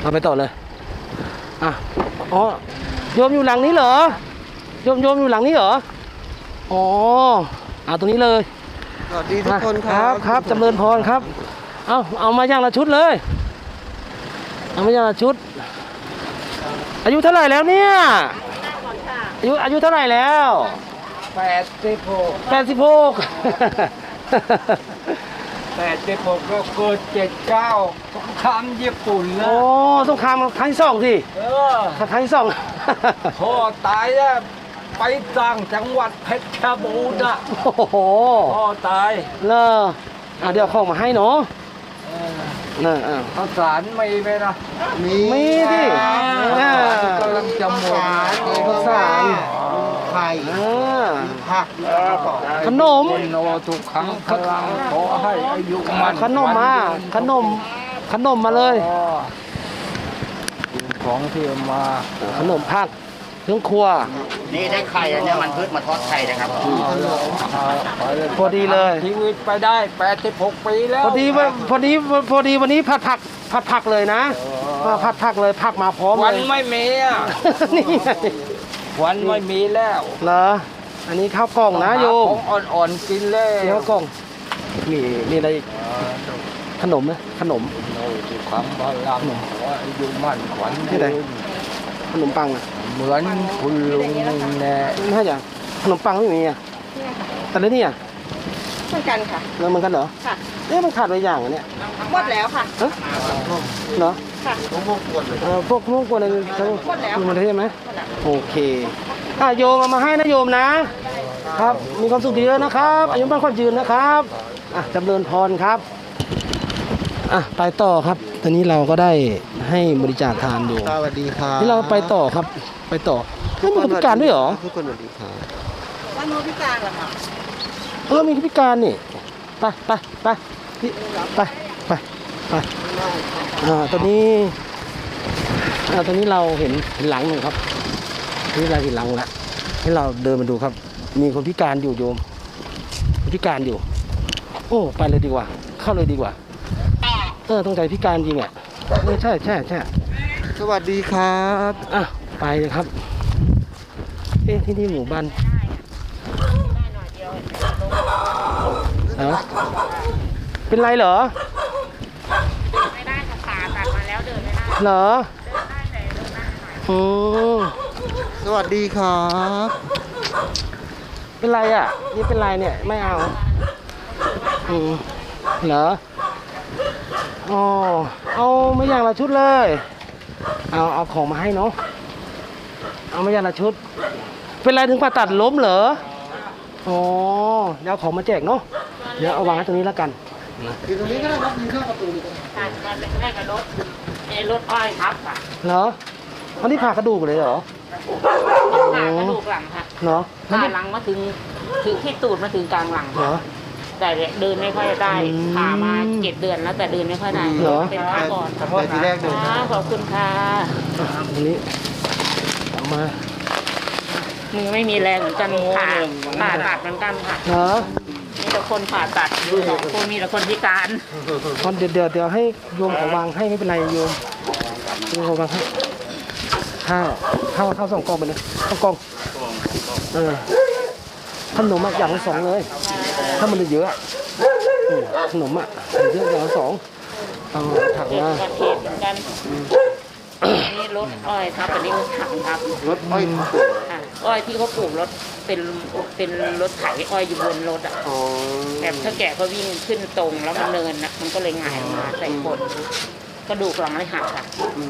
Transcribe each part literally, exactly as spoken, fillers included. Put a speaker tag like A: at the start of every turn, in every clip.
A: เราไปต่อเลยอ่ะอ๋อโยมอยู่หลังนี้เหรอโยมโยมอยู่หลังนี้เหรออ๋อเอาตรงนี้เลย
B: สวัสดีทุกคน
A: ครับครับจำเริญพรครับเอาเอามาอย่างละชุดเลยเอามาอย่างละชุดอายุเท่าไหร่แล้วเนี่ยอายุอายุเท่าไหร่แล้ว
B: แปดสิบหก
A: แปดสิบหก
B: แปดสิบหกก็เกิดเจ็ดเก้าสงครามญี่ปุ่นนะ
A: โอ้สงครามครั้งที่สองสิ
B: เออ
A: ครั้งที่สอง
B: พ่อตายแล้วไปสร้างจังหวัดเพชรบูรณ์อ่ะ
A: โอ้โห
B: พ่อตาย
A: เลออ่ะเดี๋ยวของมาให้เนาะน่ะอ่ะ
B: ข้าวสารไม่ไหมนะ
A: มีมีดิ
B: กำลังจะหมด
A: ข้าวสาร
B: ไข่ผัก
A: ขนม
B: โนทุกครั้งพลังขอให้อายุมัน
A: ขนมมาขนมขนมมาเลย
B: ของที่มา
A: ขนมผักเครื่องครัว
C: นี่ได้ไข่อันนี้มันพืชมาทอดไข่นะครับ
A: พอดีเลย
B: ชีวิตไปได้แปดสิบหกปีแล้ว
A: พอดีพอดีพอดีวันนี้ผัดผักผัดผักเลยนะผัดผักเลยผักมาพร้อมเลย
B: วันไม่มีอ่ะ
A: นี่
B: วันไม่มีแล้ว
A: เหรออันนี้ข้าวกล่องนะโยม
B: ของอ่อนๆกินเลย
A: ข้าวกล่องมีมีอะไรอีกขนมไหมขนม
B: ความบาลังว่าอยู่มั่นขวัญ
A: ที่ไหนขนมปังอ่ะ
B: เหมือนคุณลุงแน่
A: ไม่ใช่อย่างขนมปังไม่มีอ่ะแต่แล้วนี่อ่ะ
D: เหมือนกันค่ะ
A: แล้วเหมือนกันเหรอ
D: ค่ะ
A: เอ๊ะมันขาดไปอย่างเนี่ย
D: หมดแล้วค่ะ
A: เหรอ
D: ค่ะ
A: พวกพวกกวนเลยพวกพวกกวนอะไรทั้งหมดแล้วมันได้ไหมโอเคอ่ะโยมเอามาให้นะโยมนะครับมีความสุขเยอะนะครับอายุมั่นขวัญยืนนะครับอ่ะจำเริญพรครับอ่ะไปต่อครับตอนนี้เราก็ได้ให้บริจาคทานอยู่
B: สวัสดีครับ
A: ที่เราไปต่อครับไปต่อไม่มีคนพิการด้วยเหรอ
B: ทุกคนสวัสดีครับ
D: วันโนพิการเหรอคะ
A: เออมีคนพิการนี่ไปไปไปไปไปไปอ่าตอนนี้อ่าตอนนี้เราเห็นหลังหนึ่งครับนี่เราเห็นหลังแล้วให้เราเดินมาดูครับมีคนพิการอยู่โยมพิการอยู่โอ้ไปเลยดีกว่าเข้าเลยดีกว่าเออต้องใจพิการจริงอ่ะเออใช่ใช่ใช่
B: สวัสดีครับ
A: อ่ะไปเลยครับเอ๊ะที่นี่หมู่บ้านเหรอเป็นไรเหรอ
D: ไม่ได้ค่ะขาตัดมาแล้วเดินไม่ได้
A: เหรอ
D: เดินได้แต่เดินได้หน่อย
A: อืม
B: สวัสดีครับ
A: เป็นไรอ่ะนี่เป็นไรเนี่ยไม่เอาอืมเหรออ๋อเอาไม่อย่างละชุดเลยเอาเอาของมาให้เนาะเอาไม่อย่างละชุดเป็นไรถึงผ่าตัดล้มเหรออ๋อเดี๋ยวเอาของมาแจกเนาะเดี๋ยวเอาวางไว้ตรงนี้แล้วกัน
B: คือตรงนี้ก็ได้ครับมีข้าวประตูเลย
D: ตัดมาเป็นแรกกับรถไอ้รถอ้อยครับค่ะ
A: เหรออันนี้ผ่ากระดูกเลยเหรอ
D: ผ่ากระดูกหลังค่ะ
A: เหรอ
D: ผ่าหลังมาถึงถึงที่ตูดมาถึงกลางหลัง
A: เหรอ
D: แต่เดินไม่ค่อยได้ผ่ามาเจ็ดเดือนแล้วแต่เดินไม่ค่อยได้เป็นขาก่อน
B: แต่ทีแรกเดิน
D: ขอบคุณค่ะ
A: อันนี้เอามา
D: มือไม่มีแรงเหมือนกันผ่าผ่าตัดเหมือนกันค่ะ
A: เหรอ
D: มีแต่คนผ่าตัดสองคนมีแต่คนพิการ
A: คนเดี๋ยวเดี๋ยวเดี๋ยวให้โยมของวางให้ไม่เป็นไรโยมโยมของวางให้ข้าวข้าวข้าวสองกล่องไปเลยข้าวกล่องเออขนมอ่ะอย่างละสองเลยถ้ามันเยอะขนมอ่ะเยอะอย่างละสองเอาถังมา
D: เทศเหมือนกันนี่รถอ้อยครับอันนี้ถังครับ
B: รถอ้อย
D: อ้อยที่เขาปลูกรถเป็นเป็นรถไถอ้อยอยู่บนรถอ่ะแบบถ้าแก่ก็วิ่งขึ้นตรงแล้วมันเนินนะมันก็เลยหงายมาใส่คนกระดูกหลังเลยหักค่ะ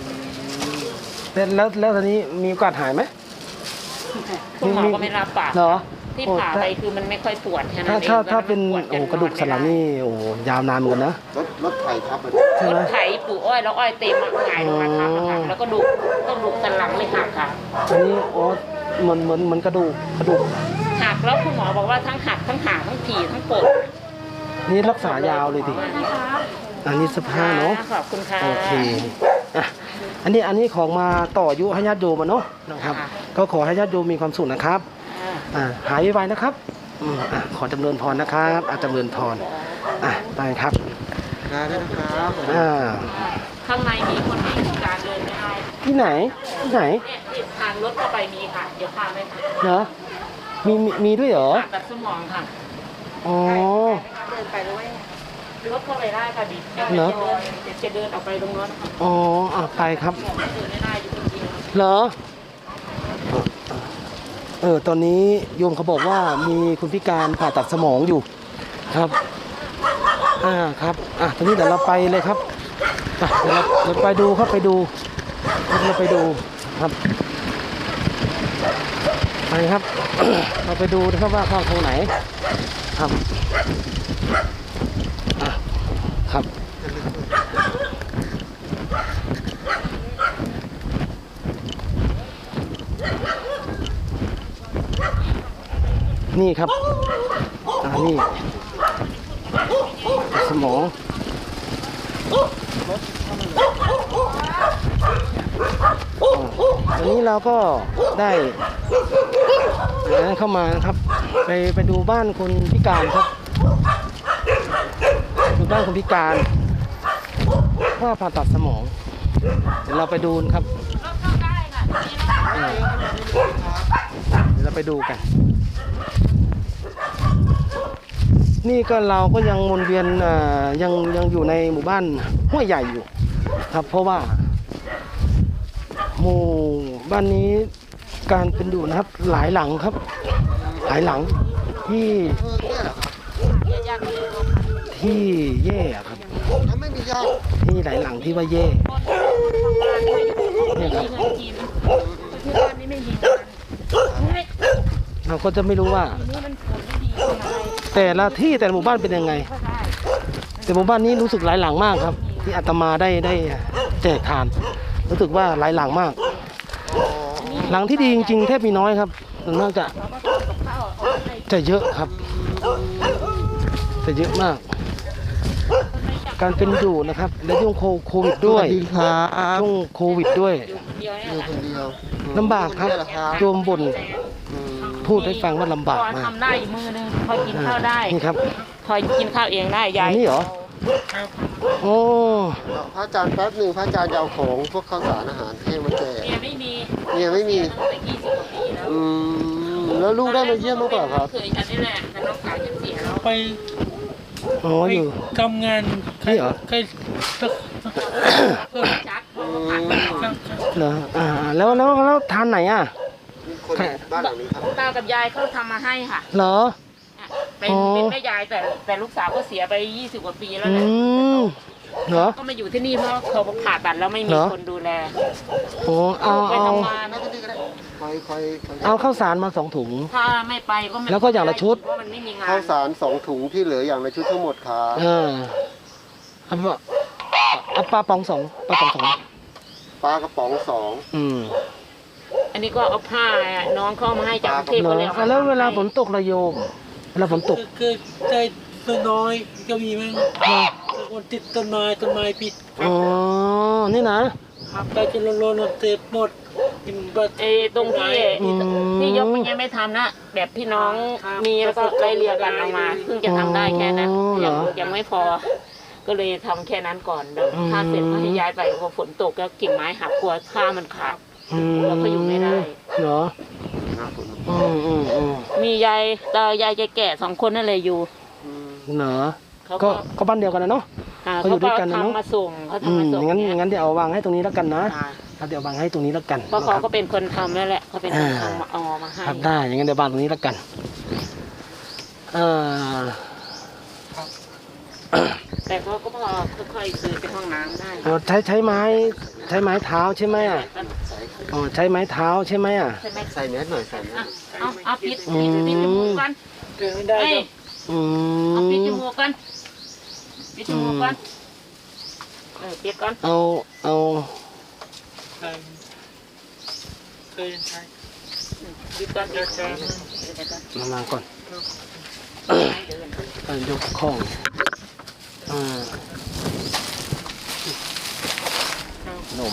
A: แล้วแล้วตอนนี้มีโอกาสหายไหม
D: คุณหมอก็ไม่รับปาก
A: เหรอ
D: ที่ผ่าไปคือมันไม่ค่อยปวดแค่นั้นเอง
A: ถ้าถ้าเป็นโอ้กระดูกสันหลังนี่โอ้ยาวนานเหมือนกันนะ
B: รถรถไถทับ
D: ใช่ไหมรถไถปลูกอ้อยแล้วอ้อยเต็มหงายลงมาทับค่ะแล้วก็ดูกระดูกสันหลังเลยหักค่ะ
A: อันนี้โอ้เหมือนเหมือนเหมือนกระดูกกระดูก
D: หักแล้วคุณหมอบอกว่าทั้งหักทั้งห่าทั้งผีทั้งปวด
A: นี่รักษายาวเลยดิอันนี้สภาพเนาะ
D: ขอบคุณค่ะ
A: โอเคอ่ะอันนี้อันนี้ของมาต่ออายุให้ญาติโยมเนาะนะครับก็ขอให้ญาติโยมมีความสุขนะครับอ่าหายไวๆนะครับอืมอ่ะขอจำเริญพรนะครับอาจำเริญพรอ่ะไปครับ
B: ได้นะครับ
A: อ่า
D: ข้างในมีคนพิการ
A: ที่ไหนที่ไหน
D: เนี่ยที่ทางรถเข้าไปมีค่ะ เดี๋ยวพาไปค่ะ
A: เหรอมีมีมีด้วยเหรอ
D: ผ่าตัดสมองค่ะ
A: อ๋อ
D: เดินไปด้วยรถเข้าไปได้ค่ะดิ
A: เหรอ
D: จะเดินออกไปตรงนั้นค่ะ
A: อ๋ออ่ะไปครับ
D: เดินไม่ได้อยู่คนเดียว
A: เหรอเออตอนนี้โยมเขาบอกว่ามีคุณพิการผ่าตัดสมองอยู่ครับอ่าครับอ่ะตอนนี้เดี๋ยวเราไปเลยครับไปเดี๋ยวเราเราไปดูครับไปดูเราไปดูครับไปครับ เราไปดูนะครับว่าเข้าทางไหนครับอ่ะครับนี่ครับอ่านี่สมองวันนี้เราก็ได้เข้ามานะครับไปไปดูบ้านคนพิการครับดูบ้านคนพิการว่าผ่าตัดสมองเดี๋ยวเราไปดูนะครับ
D: รถเข้าได้ค่ะที่นี่รถ
A: อ่าเดี๋ยวเราไปดูกัน นี่ก็เราก็ยังวนเวียนอ่ายังยังอยู่ในหมู่บ้านห้วยใหญ่อยู่ครับ เพราะว่าหมู่บ้านนี้การเป็นอยู่นะครับ หลายหลังครับ หลายหลังที่ที่แย่ครับ
C: ไม่มีญาติ
A: ที่หลายหลังที่ว่าแย่เนี่ยครับ
D: เงินกินที่บ้านนี้ไม่มีงาน
A: เราก็จะไม่รู้ว่า
D: ทีนี้มันผลไม่ดีทำอะไร
A: แต่ละที่แต่ละหมู่บ้านเป็นยังไง
D: ก็ได้
A: แต่หมู่บ้านนี้รู้สึกหลายหลังมากครับ ที่อาตมาได้ได้แจกทาน รู้สึกว่าหลายหลังมาก หลังที่ดีจริงๆแทบมีน้อยครับส่วนมากจะ
D: เราก็ทำกับข้าวเอาให้
A: จะเยอะครับจะเยอะมาก การเป็นอยู่นะครับและช่วงโควิดด้วย
C: ดีครับ
A: ช่วงโควิดด้วย
D: เดียว
C: อ
D: เนี่ย
C: ยู่คนเดียว
A: ลำบากครับโยมบ่นพูดให้ฟังว่าลำบาก
D: พอ
A: มาก
D: ทำได้อีกมือนึงพอกินข้าวได้
A: นี่ครับ
D: พอกินข้าวเองได้ยาย
A: อันนี้เหรอ โอ้
C: พระอาจารย์แป๊บหนึ่งพระอาจารย์จะเอาของพวกข้าวสารอาหารแห้งมาแจก
D: เมียไม่มี
C: เนี่ยไม่มี
D: ตั้งแต่ยี่สิบกว่าปีแล้ว
C: อืมแล้วลูกได้มาเยี่ยมบ้างเปล่าครับ
D: เคยฉันนี่แหละแต่น้องสาวฉันเสียแล้ว
E: ไป
A: อ๋อ
E: ไป
A: อยู่
E: ทำงาน
A: นี่เหรอ
E: ใคร
D: จักเพราะว่าผ่านมาก่อน
A: เหรออ่าแล้วแล้วแล้วทานไหนอ่ะ
C: คนบ้านหลังนี้ครับ
D: ตากับยายเขาทำมาให้ค่ะ
A: เหรอ
D: เป็น
A: อ๋อ
D: เป็นแม่ยายแต่แต่ลูกสาวก็เสียไปยี่สิบกว่าปีแล้ว
A: อื
D: แหละ
A: มเหรอ
D: ก็มาอยู่ที่นี่เพราะเขาผ่าตัดแล้วไม่มี
A: เหรอ
D: คนดูแล
A: โอ้เอา
D: ไป
A: เอา
D: ทำงาน
C: นั่นก็ดีก็ได้คอยคอยคอย
A: เอาข้าวสารมาสองถุง
D: ถ้าไม่ไปก็ไม่
A: แล้วก็อย่างละชุด
D: เพราะมันไม่มีงาน
C: ข้าวสารสองถุงที่เหลืออย่างละชุดทั้งหมดครับ
A: เออเอาปะเอาปลาปองสองปลาปองสอง
C: ปลากระป๋องสอง
A: อืม
D: อันนี้ก็เอาผ้าน้องเข้ามาให้จากกรุงเทพ
A: เหร
D: ก็
A: อ
D: เลยเอา
A: อ่ะแล้วเวลาฝนตกระโยมเวลาฝนตก
E: คือใจตัวน้อยก็มีมั้ง
A: เหรอ
E: คนติดต้นไม้ต้นไม้ปิด
A: อ๋อ นี่นะ
E: ไปจนโลนเต็มหมดกินบัตร
D: ไอ้ตรงที่
A: อืม
D: ที่ยกมันยังไม่ทำนะแบบที่น้องมีแล้วก็ไล่เรียกันออกมาเพิ่งจะทำได้แค่นั้น
A: อ๋อเหร
D: ยัง
A: อ
D: ยังไม่พอ ก็เลยทำแค่นั้นก่อนเดี๋ยว
A: อืม
D: ถ้าเสร็จก็ให้ย้ายไปพอฝนตกก็กิ่งไม้หักกลัวผ้ามันขาด
A: อืม
D: เราก็อยู่ไม่ได้
A: เหรอ
C: นะคุณ
A: อืมอืมอืม
D: มียายตายายแก่ๆสองคนนั่นเลยอยู่
C: อืม
A: เหรอ
D: เขา
A: ก็
D: ก็
A: ก็บ้านเดียวกันนะเนาะ
D: อ่า
A: เขาอยู่ด้วยกันนะเนอะ
D: ทำมาส่งเขา
A: อื
D: ทำมาม ส่ง
A: งั้น
D: เนี่ย
A: งั้นเดี๋ยวเอาวางให้ตรงนี้แล้วกันนะ
D: อ่า
A: ครับเดี๋ยววางให้ตรงนี้แล้วกัน
D: เพราะเขา
A: นะค
D: ก็
A: รับ
D: เป็นคนทำนั่นแหละเขาเป็นคน
A: อ่า
D: ทำมาเอามาให้
A: ครับได้อย่างงั้นเดี๋ยววางตรงนี้แล้วกันเอ่อ
D: แต่เขาก็พอค่อยๆซื้อเป็นห้องน้ำได้
A: อ๋อใช้ใช้ไม้ใช้ไม้เท้าใช่ไหมอ่ะอ๋อใช้ไม้เท้าใช่ไหมอ่ะ
D: ใช่ไหม
C: ใส่แมสหน่อยใส่แม
D: อ่ะ
C: ส
D: เอาเอาปิด
A: อื
D: ปิ
A: ม
D: ดปิดจมูกกัน
E: เดินไม่ได้
D: เอ้ย
A: อื
D: เอาปิดจ
A: ม
D: มูกกันปิดจมูกกันเออปิดก่อน
A: เอาเอา
E: ใช่เคยใช้
D: ปิดก่อนปิดก่อน
A: มามาก่อน
D: เดิน
A: เอายกข้องอ่าขนม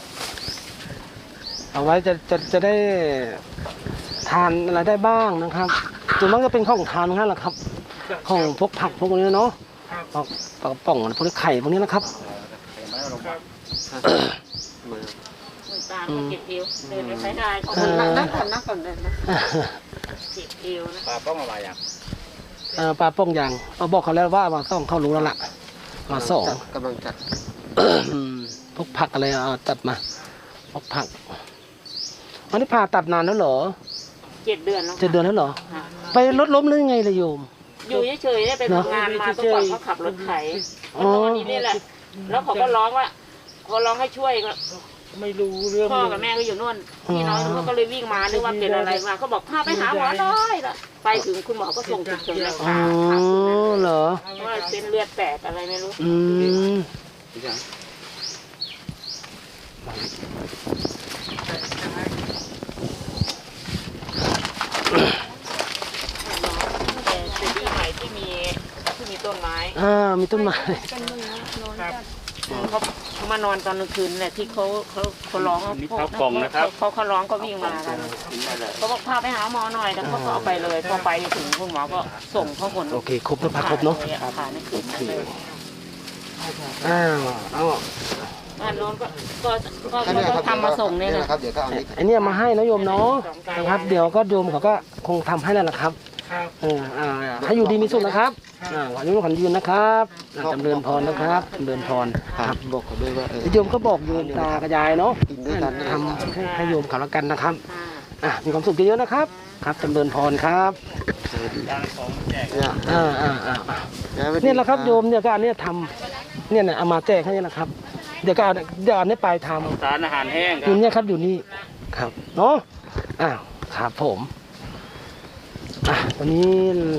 A: เอาไว้จะจะจะได้ทานอะไรได้บ้างนะครับส่วนมากจะเป็นของทานทั้งนั้นแหละครับ ของพวกผักพวกนี้เนาะปลากปลากระป๋องพวกนี้ไข่พวกนี้นะครับ
C: มา
D: คุณตาเขาเจ็บเอวเดินไม่ค่อยได้เขา
A: อ่า
C: นั่งก่อนนั่งก่อนเลยนะ
D: เจ็บเอวนะ
B: ปลาป้องอะไรอย่าง
A: เอ่อปลาโป้งยางเราบอกเขาแล้วว่ามาต้องเข้ารู้แล้วล่ะมาสอง
C: จัดกำลังจัด
A: อืมพวกผักอะไรเอาตัดมาพวกผักอันนี้ผ่าตัดนานแล้วเหรอ
D: เจ็ดเดือนแล้ว
A: เจ็ดเดือนแล้วเหรอ
D: ค่ะ
A: ไปรถล้มหรือไงเลยโยม
D: อยู่เฉยๆได้ไปทำงานมาเมื่อก่อนเขาขับรถไถ
A: อ๋
D: เขา
A: อ
D: นอนอยู่นี่แหละ แล้วเขาก็ร้องว่าเขาร้องให้ช่วยก็
E: ไม่รู้เรื่อง
D: พ่อกับแม่ก็อยู่นู่นพี่น้อยเขาก็เลยวิ่งมานึกว่าเป็นอะไรมาเขาบอกพาไปหาหมอหน่อยละไปถึงคุณหมอก็ส่งฉุกเฉินเลย
A: อ๋อ
D: ค่ะค่ะ
A: เหรอ
D: ว่าเส้นเลือดแตกอะไรไม่รู้
A: อืม
D: แต่เป็นที่ใหม่ที่มีที่มีต้นไม้
A: อ่ามีต้นไม้
D: ครับเขาเขามานอนตอนกลางคืนแหละที่เขาเขาเขาร้อง
B: นี่ข้าวกล่องนะครับ
D: เขาเขาร้องก็วิ่งมากันเขาบอกพาไปหาหมอหน่อยแล้วเขาก็เอาไปเลยพอไปถึงคุณหมอก็ส่งเขาคน
A: โอเคครบแล้วพาครบเนาะ
D: ผ่าในคืนนั้นเลย
A: อ้าวเอา
D: อันโน้นก็ก็ก็
C: แค่นี้ค
D: ก็
C: รับ
D: ทำมาส่งเนี่ย
C: นี่
D: นะ
C: นะครับเดี๋ยวก็เอานี้
A: ไอันนี้มาให้นะโยมเนาะนะครับ เดี๋ยวก็โยมเขาก็คงทำให้แล้วล่ะครับ
E: ครับ
A: เอออ่าให้อยู่ดีมีสุขนะครับอ่าขออนุญาตขอยืนนะครับอ่าจำเริญพรนะครับจำเริญพร
C: ครับบอกเขาด้วยว่าเออ
A: โยมก็บอกโยมตากระยายเนาะ
C: กินด้วยกันนะ
A: ทำให้ให้โยมเขาแล้วกันนะครับ
D: อ่า
A: อ่ะมีความสุขเยอะๆนะครับ ครับจำเริญพรครับ
C: เนี่ย
A: อ่าอ่าอ่าอ่าเนี่ยแหละครับโยมเนี่ยก็อันเนี้ยทำเนี่ยนะเอามาแจกให้เนี่ยนะครับ เดี๋ยวก็เอาเดี๋ยวเอาเนี้ยไปทำ
B: สารอาหารแห้ง
A: อยู่เนี่ยครับอยู่นี่ครับเนาะอ้าวครับผมอ่ะวันนี้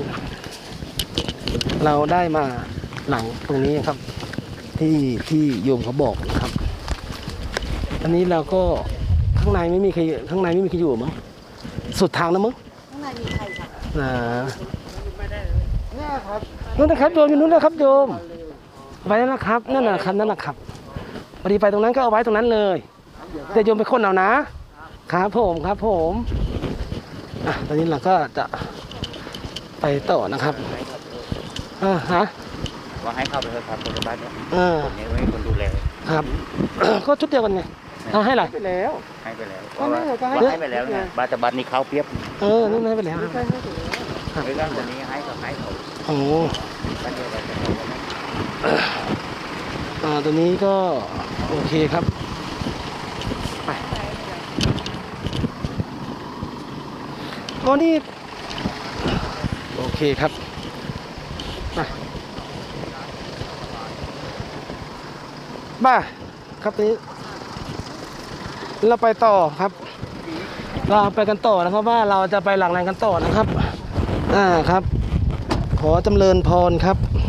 A: เราได้มาหลังตรงนี้ครับ ที่ที่โยมเขาบอกนะครับ อันนี้เราก็ข้างในไม่มีใครข้างในไม่มีใครอยู่มั้งสุดทางแล้วมั้ง
D: ข้างในมีใครค่ะ
A: นะ
C: เนี่ยครับ
A: นู่นนะครับโยมอยู่นู่นนะครับโยมไว้แล้วนะครับนั่นนะครับนั่นนะครับพอดีไปตรงนั้นก็เอาไว้ตรงนั้นเลยแต่โยมไปค้นเอานะครับผมครับผมอ่ะตอนนี้เราก็จะไปต่อนะครับอ่าฮะ
B: ว่าให้เข้าไปเถอะครับคนบ้านเนี้ย
A: อ่า
B: คนนี้ไว้คนดูแล
A: ครับ ก็ชุดเดียวกันไงเอาให้อะไร
C: ไปแล้ว
B: ให้ไปแล้ว
C: ก็ไม่ก็ให้
B: ว่าให้ไปแล้วเนี่ยบ้านแต่บ้านนี้เขาเปรียบ
A: เออนั่นให้ไปแล้วครับ
B: ไอ้ด้านคนนี้ให้กับให้เขา
A: โอ้
B: บ้านเดียวกันกับเขานะ
A: อ่าตัวนี้ก็โอเคครับไปก็นี่โอเคครับไปบ้าครับนี้เราไปต่อครับ เราไปกันต่อนะครับว่าเราจะไปหลังแรงกันต่อนะครับอ่าครับ ขอจำเริญพรครับ